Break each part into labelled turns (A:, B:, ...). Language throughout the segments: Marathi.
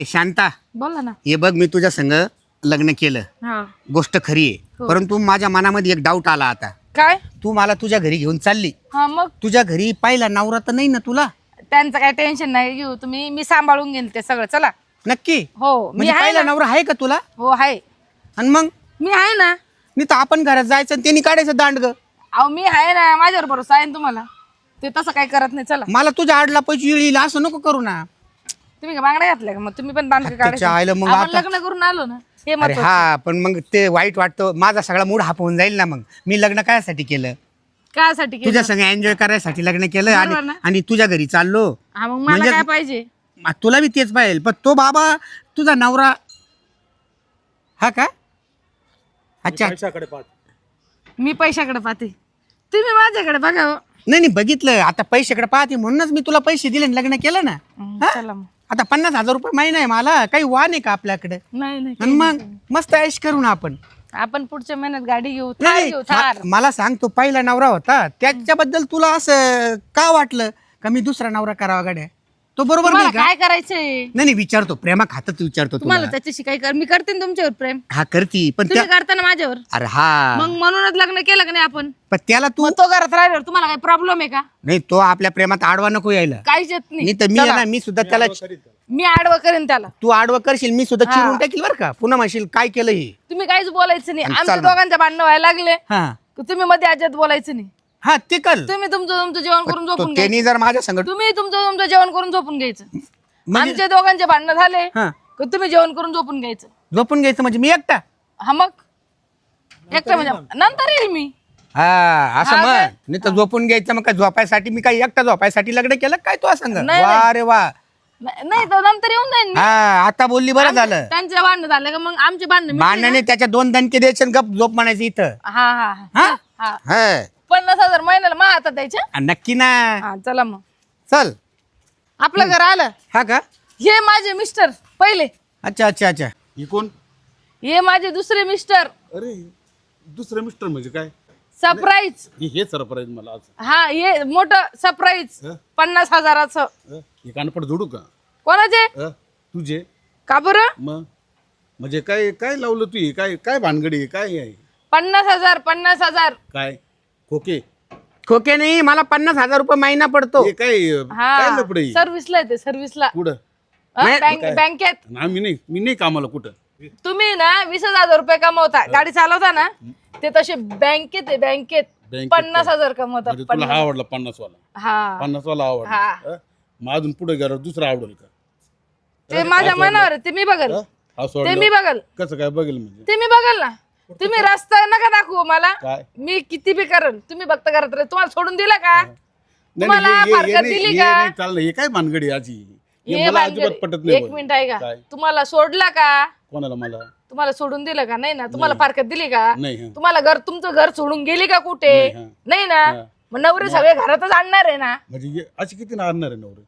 A: शांता
B: बोला ना.
A: हे बघ, मी तुझ्या संग लग्न केलं,
B: हा.
A: गोष्ट खरी आहे, परंतु माझ्या मनामध्ये एक डाऊट आला आता.
B: काय?
A: तू मला तुझ्या घरी घेऊन चालली,
B: हा मग
A: तुझ्या घरी पाहिला नवरा तर नाही ना तुला?
B: त्यांचं काय टेन्शन नाही घेऊ तुम्ही, मी सांभाळून घेईल ते सगळं. चला.
A: नक्की?
B: हो मी
A: म्हणजे
B: आहे
A: पाहिला
B: ना.
A: नवरा आहे का तुला?
B: हो आहे.
A: आणि मग
B: मी आहे ना.
A: नाही तर आपण घरात जायचं आणि त्यांनी काढायचं दांड ग.
B: अहो मी आहे ना, माझ्यावर भरोसा आहे ना तुम्हाला. ते तसं काय करत नाही. चला.
A: मला तुझ्या आडला पैसे येईल असं नको करू ना.
B: तुम्ही का बांगड्या घातल्या का? मग तुम्ही पण दांड
A: त्याच्या आईला मग
B: आपण
A: आता-
B: लग्न करून आलो ना, हे
A: अरे
B: महत्वाचं.
A: हा, पण मग ते वाईट वाटतं, माझा सगळा मूड हाप होऊन जाईल ना. मग मी लग्न कायसाठी केलं?
B: कायसाठी केलं?
A: तुझ्या संग एन्जॉय करायसाठी लग्न केलं
B: बरोबर ना?
A: आणि तुझ्या घरी चाललो.
B: हा मग मला
A: म्हणजे-
B: काय पाहिजे?
A: तुला बी तेच पाहिजे, पण तो बाबा तुझा नवरा हा का? अच्छा.
C: पैशाकडे पाहत.
B: मी पैशाकडे पाहते, तुम्ही माझ्याकडे बघा हो.
A: नाही बघितलं आता, पैशाकडे पाहते म्हणूनच मी तुला पैसे दिले आणि लग्न केलं ना.
B: चला मग.
A: आता 50,000 रुपये महिना आहे मला, काही वाण आहे का आपल्याकडे?
B: नाही नाही
A: आणि मग मस्त ऐश करू ना आपण.
B: आपण पुढच्या महिन्यात गाडी घेऊ, थार
A: नाही
B: घेऊ, थार.
A: मला सांग, तो पहिला नवरा होता त्याच्याबद्दल तुला असं का वाटलं का मी दुसरा नवरा करावा गाड्या? तो बरोबर
B: तुम्हाला
A: नाही का?
B: काय करायचंय?
A: नाही विचारतो, प्रेमा खातच विचारतो
B: तुम्हाला
A: तुला.
B: त्याच्याशी काय कर, मी करते ना तुमच्यावर प्रेम,
A: हा करती, पण
B: तुम्ही करता ना माझ्यावर.
A: अरे हा,
B: मग म्हणूनच लग्न केलं का नाही आपण?
A: पण त्याला तू
B: मग तो घरात राहिल्यावर तुम्हाला काही प्रॉब्लेम आहे का?
A: नाही, तो आपल्या प्रेमात आडवा नको यायला.
B: काहीच येत
A: नाही तर मी आहे ना, मी सुद्धा त्याला,
B: मी आडवं करेन त्याला.
A: तू आडवं करशील, मी सुद्धा चिरून टाकील बरं का. पुन्हा म्हणशील काय केलं हे.
B: तुम्ही काहीच बोलायचं नाही.
A: आणि
B: आमच्या
A: चाल ना.
B: दोघांच्या भांडणं व्हायला लागले
A: हा
B: की तुम्ही मध्ये अजिबात बोलायचं नाही.
A: हा ते कर.
B: तुम्ही तुमचं जेवण करून झोपून घ्यायचं.
A: त्यांनी जर माझ्या संगत
B: तुम्ही तुमचं जेवण करून झोपून घ्यायचं.
A: म्हणजे
B: आमच्या दोघांचे भांडणं झाले
A: हा
B: की तुम्ही जेवण करून झोपून घ्यायचं.
A: झोपून घ्यायचं म्हणजे मी एकटा?
B: हा मग एकटं म्हणजे नंतर येईल मी.
A: हा असं
B: हा
A: म्हण.
B: काय?
A: नाही तर झोपून घ्यायचं मग काय झोपायसाठी मी काय एकटा झोपायसाठी लग्न केलं काय तू सांग?
B: नाही,
A: वा रे वा.
B: नाही तर नंतर येऊन जाईन मी.
A: हा आता बोलली, बरं झालं.
B: त्यांचे भांडणं झाले का मग आमचे भांडणं मिटले
A: भांडणाने त्याच्या 2 दणके द्यायचे आणि गप झोप म्हणायचं इथं.
B: ना? हा हा
A: हा
B: हा.
A: हा
B: 50,000 महिन्याला मा हातात द्यायच्या.
A: नक्की ना.
B: हा चला मग
A: चल.
B: आपलं घर आलं.
A: हा का?
B: हे माझे मिस्टर पहिले,
A: अच्छा अच्छा अच्छा.
C: ही कोण?
B: हे माझे दुसरे मिस्टर.
C: अरे दुसरं मिस्टर म्हणजे काय?
B: सरप्राईज.
C: हे सरप्राईज मला आज.
B: हा हे मोठं सरप्राईज
C: हं?
B: 50,000चं.
C: हे कानपड जोडू का?
B: कोणाचे?
C: तुझे?
B: का बरं?
C: मग म्हणजे काय काय लावलं तू? हे काय काय भानगडी आहे? काय आहे?
B: 50,000 50,000.
C: काय खोके?
A: खोके नाही, मला 50,000 रुपये महिना पडतो.
C: हे काय काय
B: हा
C: लपडे?
B: सर्व्हिसला येते सर्व्हिसला.
C: कुठं?
B: बँकेत.
C: मी नाही कामाला कुठं.
B: तुम्ही ना 20,000 रुपये कमवता, गाडी चालवता ना, ते तसे बँकेत आहे, बँकेत
C: बँकेत
B: 50,000 कमवता.
C: म्हणजे तुला हा आवडला 50 वाला?
B: हा
C: 50 वाला आवडला?
B: हा.
C: हं? मग अजून पुढे गेला दुसरा आवडेल का?
B: ते माझ्या मनावर आहे, ते मी बघल.
C: हा
B: ते
C: सोडला
B: मी बघल.
C: कसं काय बघेल म्हणजे?
B: ते मी बघल ना. तुम्ही रस्ता नका दाखवू मला.
C: काय?
B: मी किती बी करल, तुम्ही बघता करत राहा. तुम्हाला सोडून दिला का?
C: नाही,
B: तुम्हाला
C: हे- हे- हे
B: फारकत
C: नाही-
B: दिली
C: हे
B: का?
C: नाही चाललं. हे काय भानगडी आजी? हे
B: हे
C: मला
B: भानगडी.
C: अजिबात पटत नाही.
B: एक
C: बघ.
B: मिनिट आहे का?
C: काय?
B: तुम्हाला सोडला का?
C: कोणाला? मला
B: तुम्हाला सोडून दिलं का? नाही ना. तुम्हाला फारकत दिली का?
C: नाही. हं.
B: तुम्हाला तुमचं घर सोडून गेली का कुठे?
C: नाही, हं.
B: नाही ना.
C: हं.
B: मग नवरे सगळे घरातच आणणार आहे ना.
C: म्हणजे अशी किती आणणार आहे नवरे?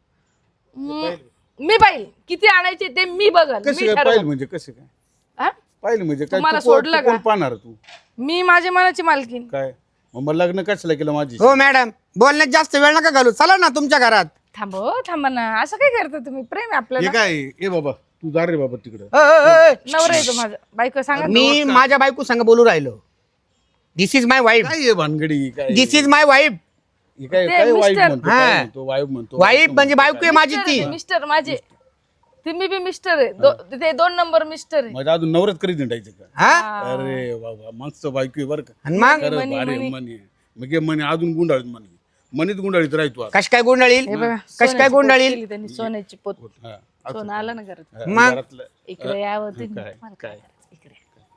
B: मी पाहिल किती आणायचे ते मी बघल.
C: कसे
B: मी
C: काय
B: ठरवलं.
C: पाहिलं म्हणजे? कसे काय
B: हा?
C: पाहिलं म्हणजे? काय
B: तुम्हाला
C: तू कोण-
B: सोडलं
C: तू कोण
B: का?
C: पाहणार तू?
B: मी माझ्या मनाची मालकीन.
C: काय मग लग्न कशाला केलं माझी?
A: हो मॅडम, बोलण्यात जास्त वेळ नका घालू, चला ना तुमच्या घरात.
B: थांबा ना. असं काय करता तुम्ही? प्रेम आहे
C: हे
B: आपल्याला.
C: काय? ए बाबा तू जा रे बाबा तिकडं.
B: नवरा येतो माझा. बायको सांगा.
A: मी माझ्या बायको संग बोलू राहिलो. This is my wife.
C: काय हे भानगडी? काय
A: दिस इज माय वाईफ.
C: हे काय
B: ते
C: काय वाईफ
B: मिस्टर.
C: म्हणतो?
A: हा.
C: काय म्हणतो? वाईफ म्हणतो?
A: वाईफ म्हणजे बायको आहे माझी ती.
B: मिस्टर माझे. तुम्ही बी मिस्टर आहे. ते 2 नंबर मिस्टर आहे.
C: म्हणजे अजून नवरच करीत निघायचं का?
A: हा
C: अरे बाबा मस्त बायको आहे बरं का.
A: आणि मग
C: खरं भारी मनी. मग हे मनी अजून गुंडाळीत मनीत गुंडाळीत राहतो आता.
A: कश काय गुंडाळील?
B: हे बघा,
A: कश काय
B: सोन्याची पोत
A: गुंडाळील?
B: केली त्यांनी. सोन्याची पोत.
C: हा.
B: सोनं आलं ना घरात.
A: मग?
C: घरातलं.
B: इकडे यावं तुम्ही.
C: काय?
B: मला काय करायचं? इकडे.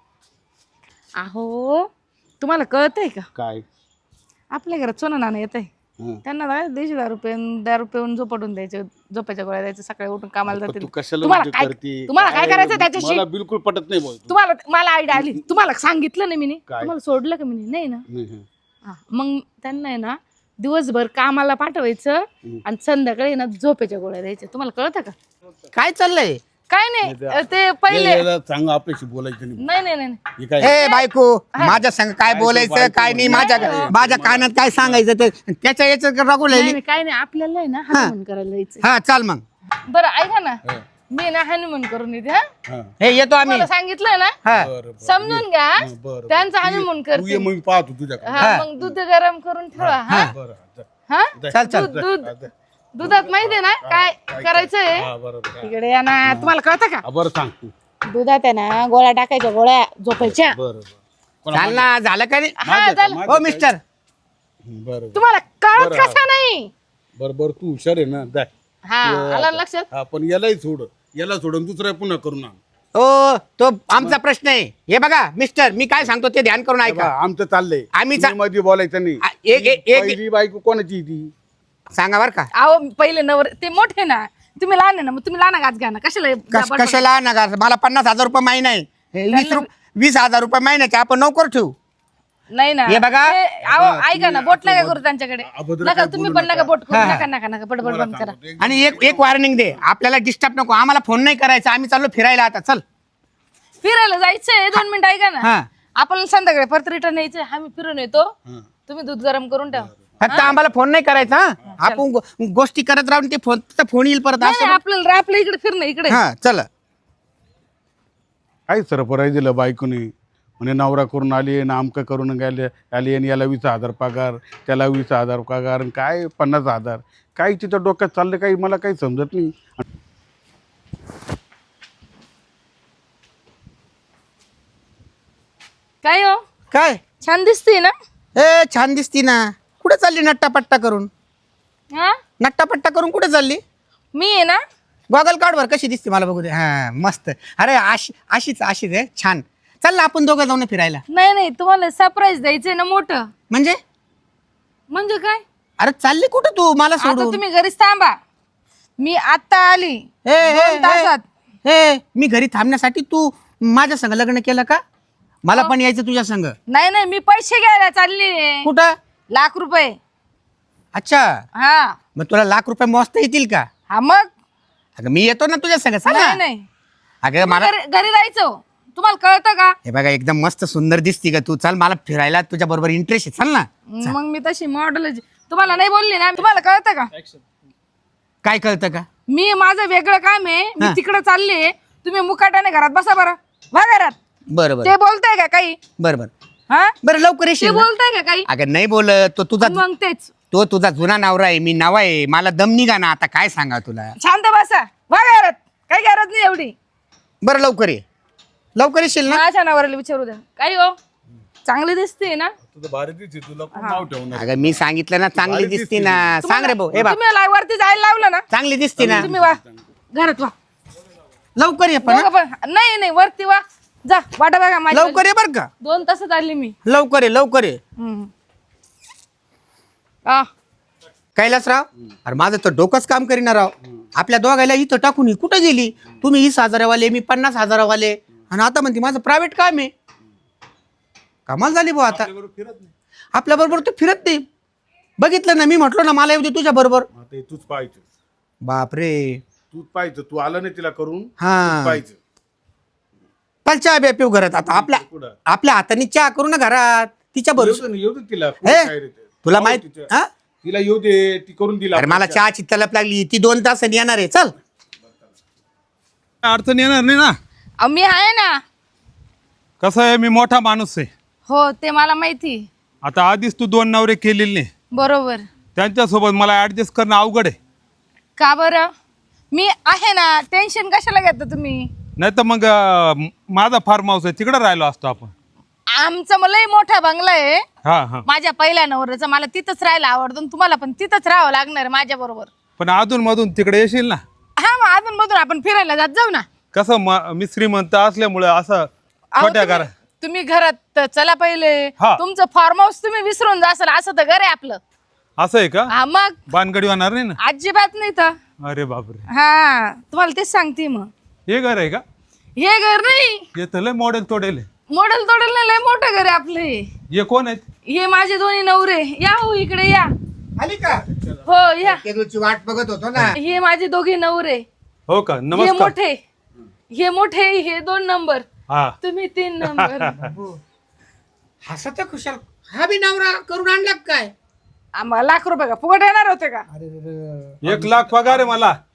B: अहो तुम्हाला कळतंय का?
C: काय?
B: आपल्या घरात सोनं नाणं येत आहे.
C: हं.
B: त्यांना 150 रुपये 10 रुपये झोपटून द्यायचे. झोपायच्या गोळ्या द्यायचे. सकाळी उठून कामाला
C: पण
B: जातील.
C: तू कशाला
B: तुम्हाला
C: म्हणजे
B: काय
C: करते?
B: तुम्हाला काय करायचं त्याच्याशी?
C: मला बिलकुल पटत नाही बोल.
B: तुम्हाला मला आयडिया आली. तुम्हाला सांगितलं नाही मी.
C: काय?
B: तुम्हाला सोडलं का मी? नाही ना.
C: नाही, हं.
B: हा, मग त्यांना आहे ना दिवसभर कामाला पाठवायचं आणि संध्याकाळी ना झोपेच्या गोळ्या द्यायच्या. तुम्हाला कळतं का?
A: काय चाललंय?
B: काय नाही ते पहिले.
C: याला सांग आपल्याशी बोलायचं नाही.
B: नाही नाही नाही
C: हे काय?
A: ए बायको, माझ्या संग काय बोलायचं काय नाही, माझ्या कानात काय सांगायचं ते त्याच्या याच रागू
B: नाही
A: लागली.
B: नाही, काय नाही. आपल्याला आहे ना हनुमान करायला जायचं.
A: हा चाल मग.
B: बरं ऐका ना. मी ना हनीमून करून येते हा
C: हा
A: हे येतो आम्ही
B: मला सांगितलं ना
A: हा
C: बरं बरं
B: समजून घ्या
C: हा, बरं
B: त्यांचा हनीमून
C: तू ये
B: करते
C: मग मी पाहतो तुझ्याकडे
B: हा मग दूध गरम करून ठेवा हा
C: बरं जा.
B: हा
A: चल चल
B: दूध दूध दुधात माहितीये ना काय करायचंय
C: हा बरोबर हा.
B: इकडे या ना तुम्हाला कळतं का
C: हा, बरं सांग तू
B: दुधात आहे ना गोळ्या टाकायच्या गोळ्या झोपायच्या
C: बरं बरं पण
A: चाल ना झालं का नाही
B: हा झालं
A: हो मिस्टर
C: बरं बरं
B: तुम्हाला कळत
C: बरं,
B: कसं नाही
C: बरं बरं तू हुशार आहे ना जाय
B: हा आला ना लक्षात
C: हा पण यालाही सोड याला सोडून दुसरा पुन्हा करू ना
A: ओ तो आमचा प्रश्न आहे हे बघा मिस्टर मी काय सांगतो ते ध्यान करून ऐका
C: आमचं चाललंय
A: आम्ही
C: तुम्ही मध्ये बोलायचं नाही
A: एक
C: पहिली बायको कोणाची ती
A: सांगा बर का
B: अहो पहिले नवर ते मोठे ना तुम्ही लहान आहे ना मग तुम्ही लहान गाच घ्या ना कशाला
A: कशाला नका मला 50,000 रुपये महिना आहे हे 20,000 रुपये महिन्याचे आपण नोकर ठेवू
B: नाही ना
A: हे बघा.
B: अहो ऐका ना बोट नका करू त्यांच्याकडे
C: अभद्र
B: नका
C: काय
B: तुम्ही
C: बोलू
B: पण नका बोट करू नका नका नका बडबड
C: तुम्हाला
B: बंद करा
C: सांगतो, एक
A: आणि एक वॉर्निंग दे आपल्याला डिस्टर्ब नको आम्हाला फोन नाही करायचा आम्ही चाललो फिरायला आता चल
B: फिरायला जायचंय 2 मिनिटं ऐका ना
A: हा
B: आपल्याला संध्याकाळी परत रिटर्न यायचंय आम्ही फिरून येतो
C: हा.
B: तुम्ही दूध गरम करून ठेवा
A: फक्त आम्हाला फोन नाही करायचा हा? आपण गोष्टी करत राहून ते फोन येईल परत
B: नाही,
A: असं
B: आपल्याला आपल्या इकडे फिरणं इकडे
A: हा चल
C: काय सरपराई दिलं बायकोने म्हणे नवरा करून आली ना आमकं करून गेले आली आणि याला 20,000 पगार त्याला 20,000 पगार आणि काय 50,000 काय तिथं डोक्यात चाललं काही मला काही समजत नाही
B: काय हो
A: काय
B: छान दिसते ना
A: ए छान दिसती ना कुठे चालली नट्टापट्टा करून
B: हा
A: नट्टापट्टा करून कुठे चालली
B: मी आहे ना
A: गॉगल काढ बर कशी दिसते मला बघू दे हा मस्त अरे अशीच आहे छान चल ना आपण दोघं जाऊन फिरायला
B: नाही नाही तुम्हाला सरप्राईज द्यायचंय ना मोठं म्हणजे काय
A: अरे चालली कुठं तू मला
B: आता
A: सोडून
B: तुम्ही घरीच थांबा मी आता आली
A: ए, ए,
B: 2 तासात
A: ए मी घरी थांबण्यासाठी तू माझ्या संग लग्न केलं का मला पण यायचं तुझ्या संग
B: नाही नाही मी पैसे घ्यायला चालली
A: कुठं
B: ₹1,00,000
A: अच्छा
B: हा
A: मग तुला ₹1,00,000 मोजता येतील का
B: हा मग
A: अगं मी येतो ना तुझ्या संग चल
B: नाही
A: ना.
B: नाही
A: अगं मला
B: घरी जायचं तुम्हाला कळतं का
A: हे बघा एकदम मस्त सुंदर दिसती का तू चल मला फिरायला तुझ्या बरोबर इंटरेस्ट आहे चल ना
B: मग मी तशी मॉडेल तुम्हाला नाही बोलली ना तुम्हाला कळतं का
A: काय कळतं का
B: मी माझं वेगळं काम आहे मी तिकडे चालले तुम्ही मुकाटाने घरात बसा बरं वा घरात
A: बरं बरं
B: ते बोलताय का काही
A: बरं बरं
B: हा
A: बरं लवकर
B: ते
A: येशील ना?
B: बोलताय का काही
A: अगं नाही बोलत
B: मग तेच
A: तो तुझा जुना नवरा आहे मी नवा आहे मला दम निघा ना आता काय सांगा तुला
B: शांत बसा वा घरात काही गरज नाही एवढी
A: बरं लवकर येशील ना
B: माझ्या नवऱ्याला विचारू द्या काय हो चांगली दिसते ना
C: तुझं भारी दिसते तुला कोण नाव ठेवणार
A: अगं मी सांगितलं ना चांगली
C: भारी
A: दिसती ना सांग रे भाऊ हे बा
B: तुम्ही वरती जायला लावलं ना
A: चांगली दिसती ना
B: तुम्ही वा घरात वा
A: लवकर ये पण
B: दोघं पण नाही नाही वरती वा जा वाटा बघा माझी
A: लवकर ये बर का
B: 2 तासात आली मी
A: लवकर ये
B: आ,
A: कैलासराव अरे माझं तर डोकंच काम करीना राव आपल्या दोघायला इथं टाकून कुठं गेली तुम्ही 20,000 वाले मी 50,000 वाले आणि आता म्हणते माझं प्रायव्हेट काम आहे कमाल झाली भाऊ आता आपल्या बरोबर तू फिरत नाही बघितलं ना मी म्हटलो ना मला येऊ दे तुझ्या बरोबर
C: आता हे तूच पाहायचं
A: बापरे
C: तूच पाहायचं तू आलं नाही तिला करून
A: हा
C: पाहायचं
A: चल चहा बे पिऊ घरात आता
C: कुठं
A: आपल्या हाताने चहा करू ना घरात तिच्या बरोबर
C: येऊ दे तिला
A: हे?
C: काय रे ते?
A: तुला
C: पाहू
A: माहित
C: तिच्या.
A: हा?
C: तिला येऊ दे ती करून दिला
A: अरे मला चहाची तलप लागली ती 2 तासांनी येणार आहे चल
D: अडचण येणार नाही ना
B: अहो, मी आहे ना
D: कसं आहे मी मोठा माणूस आहे
B: हो ते मला माहिती
D: आता आधीच तू 2 नवरे केलेले नाही
B: बरोबर
D: त्यांच्यासोबत मला ऍडजस्ट करणं अवघड आहे
B: का बरं मी आहे ना टेन्शन कशाला घेता तुम्ही
D: नाही तर मग माझा फार्म हाऊस आहे तिकडे राहिलो असतो आपण
B: आमचा मलाही मोठा बंगला आहे
D: हा हा
B: माझ्या पहिल्या नवऱ्याचा मला तिथंच राहायला आवडतं आणि तुम्हाला पण तिथंच राहावं लागणार माझ्या बरोबर
D: पण अधून मधून तिकडे येशील ना
B: हा मग अजून मधून आपण फिरायला जात जाऊ ना
D: कसं मी श्रीमंत असल्यामुळे असं
B: अहो,
D: छोट्या घरा
B: तुम्ही घरात चला पहिले
D: हा.
B: तुमचं फार्म हाऊस तुम्ही विसरून जासाल असं तर घर आहे आपलं
D: असं आहे का
B: हा मग
D: बानगडी होणार नाही ना
B: अजिबात नाही तर
D: अरे बापरे
B: हा तुम्हाला तेच सांगते मग
D: हे घर आहे का
B: हे घर नाही
D: हे तर लय मॉडेल तोडेल
B: मॉडेल तोडेल नाही लय मोठं घर आहे आपलं हे.
D: हे कोण आहेत
B: हे माझे दोन्ही नवरे या हो इकडे या
A: आली का
B: हो या
A: केदूची वाट बघत होतो ना
B: हे माझे दोघे नवरे
D: हो का
B: हे
D: नमस्कार
B: मोठे हे 2 नंबर
D: हा
B: तुम्ही 3 नंबर
A: हसत खुशाल हा बी नवरा करून आणला का काय
B: आम्हाला ₹1,00,000 का फुकट येणार होते का
D: 1 लाख पगार आहे मला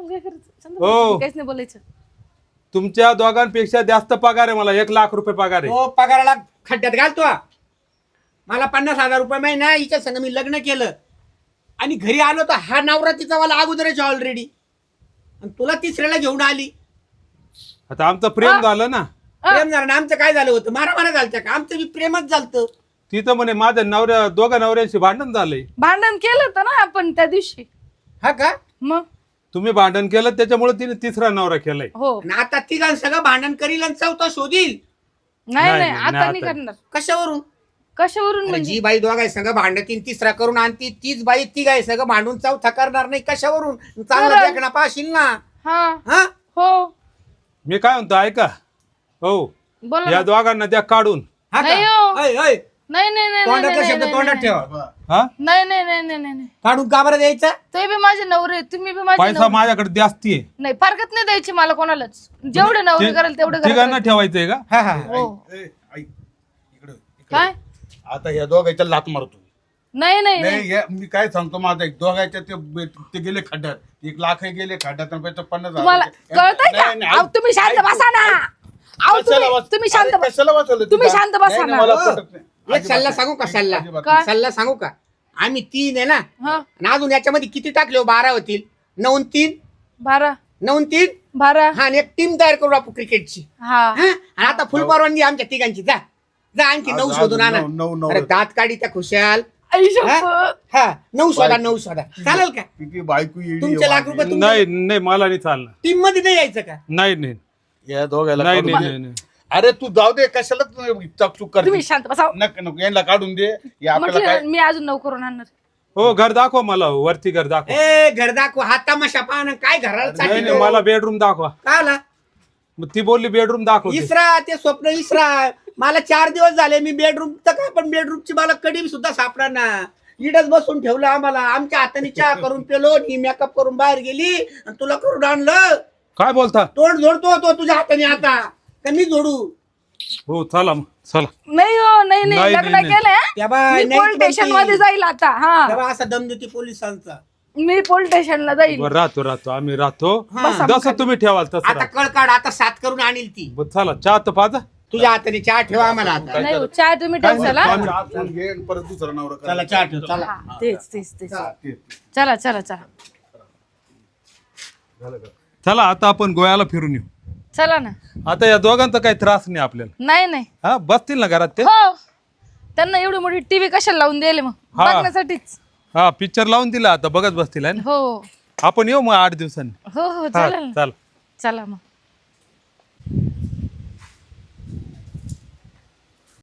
B: काय करायचं
D: हो.
B: काहीच नाही बोलायचं.
D: तुमच्या दोघांपेक्षा जास्त पगार आहे मला, 1,00,000 रुपये पगार आहे.
A: तो पगाराला खड्ड्यात घालतो. मला 50,000 रुपये महिना, हिच्या संग मी लग्न केलं आणि घरी आलो तर हा नवरा तिचा मला अगोदरच ऑलरेडी, आणि तुला तिसऱ्याला घेऊन आली.
D: आता आमचं प्रेम झालं ना.
A: प्रेम झालं ना, आमचं काय झालं होतं? मारा झालं का? आमचं बी प्रेमच झालतं.
D: तिथं म्हणे माझ्या दोघा नवऱ्यांशी भांडण झालंय.
B: भांडण केलं होतं ना आपण त्या दिवशी.
A: हा का?
B: मग
D: तुम्ही भांडण केलं त्याच्यामुळे तिने तिसरा नवरा केलाय.
B: हो.
A: आणि आता तिघां सगळं भांडण करील आणि चौथा शोधील.
B: नाही
D: नाही,
B: नाही
D: नाही,
B: आता नाही
D: आता.
B: करणार.
A: कशावरून?
B: कशावरून
A: अरे
B: म्हणजे?
A: जी बाई दोघाय सगळं भांडतीन तिसरा करून आणती, तीच बाई तिघाय सगळं भांडून चौथा करणार नाही. कशावरून? चांगलं
B: खरं.
A: देखणा पाशील ना.
B: हा
A: हा
B: हो
D: मी काय म्हणतो ऐका, हो
B: बोला
D: या
B: ना.
D: दोघांना द्या काढून.
A: हा का?
B: नाही हो.
A: ऐ, ऐ,
B: नाही नाही नाही
A: तोंडातला
B: नाही,
A: शब्द
B: नाही,
A: तोंडात
B: नाही,
A: ठेवा.
D: हा
B: नाही नाही नाही नाही नाही नाही.
A: काढून का बरं द्यायचा?
B: ते बी माझे नवरे, तुम्ही बी माझे
D: पैसा
B: नवरे.
D: माझ्याकडे जास्ती आहे.
B: नाही फारकत नाही द्यायची मला कोणालाच. जेवढे नवरे करेल तेवढे
D: तिघांना
B: करेल.
D: ठेवायचंय का?
A: हा हा.
B: हो.
C: इकडे
B: काय?
C: आता ह्या दोघांच्या लात मारतो.
B: नाही नाही नाही.
C: नाही मी काय सांगतो, माझा एक दोघांच्या ते गेले खड्ड्यात, 1,00,000 गेले खड्ड्यात आणि 50,000.
B: तुम्हाला कळतंय का?
C: नाही,
B: अहो, तुम्ही शांत बसा ना. अहो, तुम्ही शांत बसा.
C: कशाला वाचवलं
B: तुम्ही
C: तिला?
B: शांत बसा
C: नाही,
B: ना.
C: नाही, मला पटत नाही.
A: एक सल्ला सांगू का? सल्ला
C: अजिबात
B: काय?
A: सल्ला सांगू का? आम्ही 3 आहे ना,
B: हा
A: आणि अजून याच्यामध्ये किती टाकले हो? 12 होतील. 9 आणि 3
B: बारा
A: 9 आणि 3
B: बारा.
A: हा, आणि एक टीम तयार करू आपण क्रिकेटची.
B: हा
A: हा, आणि आता फुल परवानगी आमच्या तिघांची. जा जा आणखी 9
C: आज
A: शोधून आणा.
C: 9
A: अरे दात काढी त्या खुशाल.
B: आई
A: हा?
B: शपथ.
A: हा, 9 शोधा. 9 शोधा. चालेल का?
C: किती बायको येडी
A: तुमचे
C: आहे
A: लाख रुपये
C: माझी.
A: तुमच्या
D: नाही नाही मला नाही चालणार.
A: टीम मध्ये नाही यायचं का?
D: नाही नाही
C: या दोघायला
D: नाही
C: काढून
D: नाही
C: दे.
D: नाही.
C: अरे तू जाऊ दे, कशाला चकचूक कर.
B: तुम्ही शांत बसा.
C: नको नको, यांना काढून दे. या आपल्याला
B: म्हटलं
C: काय
B: ना, मी अजून 9 करून आणणार.
D: हो घर दाखवा मला, वरती घर दाखवा.
A: ए, घर दाखव. हा तमाशा पाहणं काय घराला
D: नाही
A: चाटी
D: नाही मला बेडरूम दाखवा.
A: का आला?
D: मग ती बोलली बेडरूम दाखव.
A: इसरा ते स्वप्न इसरा. मला 4 दिवस झाले, मी बेडरूम तर काय, पण बेडरूमची मला कडी सुद्धा सापडा ना. इडच बसून ठेवलं आम्हाला. आमच्या हाताने चहा करून पेलो, ही मेकअप करून बाहेर गेली आणि तुला करून आणलं.
D: काय बोलता?
A: तोंड जोडतो तो तुझ्या हाताने आता का मी जोडू?
D: हो चला मग चला.
B: नाही हो नाही नाही
D: नाही,
B: लग्न
D: नाही,
B: केलंय.
A: त्या बाय
B: मी पोलीस स्टेशन मध्ये जाईल आता. हा
A: तेव्हा असा दम देते पोलिसांचा.
B: मी पोलीस स्टेशनला जाईल.
D: बरं, राहतो आम्ही राहतो.
A: हा.
D: जसं तुम्ही ठेवाल तसं
A: आता
D: राहतो.
A: कळ काढ, आता 7 करून आणील ती.
D: बरं, चला चहा तर पाजा.
A: तुझ्या हाताने चहा ठेवा आम्हाला आता.
B: नाही हो, चहा तुम्ही ठेवसाला.
C: चहा पिऊन घे आणि परत दुसरा नवरा कर.
A: चला चहा ठेव. चला.
B: हा तेच तेच तेच.
C: ते.
B: चला चला चला
D: चला आता आपण गोव्याला फिरून येऊ.
B: चला ना.
D: आता या दोघांचा काही त्रास नाही आपल्याला.
B: नाही नाही.
D: हा बसतील ना घरात ते.
B: हो त्यांना एवढी मोठी टीव्ही कशाला लावून दिले मग?
D: हा.
B: बघण्यासाठीच.
D: हा पिक्चर लावून दिला, आता बघत बसतील आहे ना.
B: हो
D: आपण येऊ मग 8 दिवसांनी.
B: हो हो
D: हा
B: चालेल ना.
D: चला.
B: चला मग.